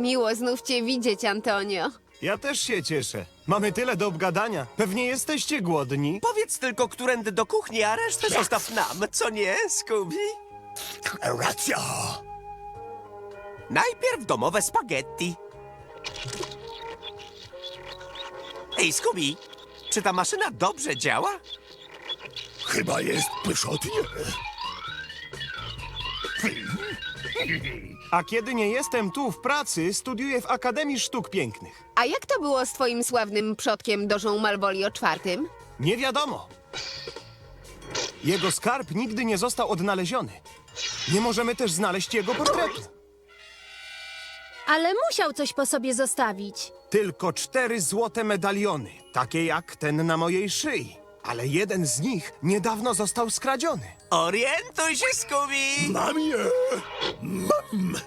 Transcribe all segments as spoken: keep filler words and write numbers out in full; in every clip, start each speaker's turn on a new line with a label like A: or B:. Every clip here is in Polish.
A: Miło znów cię widzieć, Antonio.
B: Ja też się cieszę. Mamy tyle do obgadania. Pewnie jesteście głodni.
C: Powiedz tylko, którędy do kuchni, a resztę zostaw nam, co nie, Scooby?
D: Racja!
C: Najpierw domowe spaghetti. Ej, Scooby, czy ta maszyna dobrze działa?
D: Chyba jest pyszotnie.
B: A kiedy nie jestem tu w pracy, studiuję w Akademii Sztuk Pięknych.
A: A jak to było z twoim sławnym przodkiem Dożą Malvolio czwartym?
B: Nie wiadomo. Jego skarb nigdy nie został odnaleziony. Nie możemy też znaleźć jego portretu.
E: Ale musiał coś po sobie zostawić.
B: Tylko cztery złote medaliony, takie jak ten na mojej szyi. Ale jeden z nich niedawno został skradziony.
C: Orientuj się, Scooby!
D: Mam je! Mam!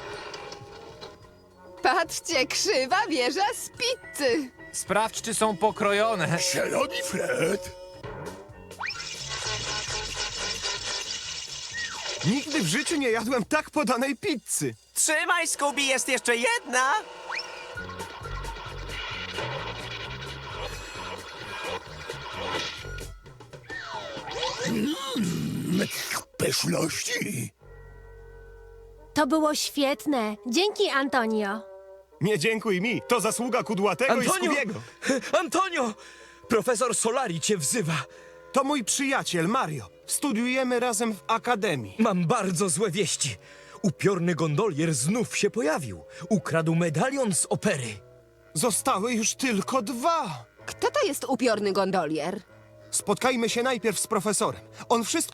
A: Patrzcie, krzywa wieża z pizzy.
F: Sprawdź, czy są pokrojone.
D: Zieloni Fred!
B: Nigdy w życiu nie jadłem tak podanej pizzy.
C: Trzymaj, Scooby, jest jeszcze jedna!
D: Pyszności!
E: To było świetne. Dzięki, Antonio.
B: Nie dziękuj mi, to zasługa Kudłatego i
G: Antonio!
B: Skubiego.
G: Antonio! Profesor Solari cię wzywa.
B: To mój przyjaciel Mario. Studiujemy razem w Akademii.
G: Mam bardzo złe wieści. Upiorny gondolier znów się pojawił. Ukradł medalion z opery.
B: Zostały już tylko dwa.
A: Kto to jest upiorny gondolier?
B: Spotkajmy się najpierw z profesorem. On wszystko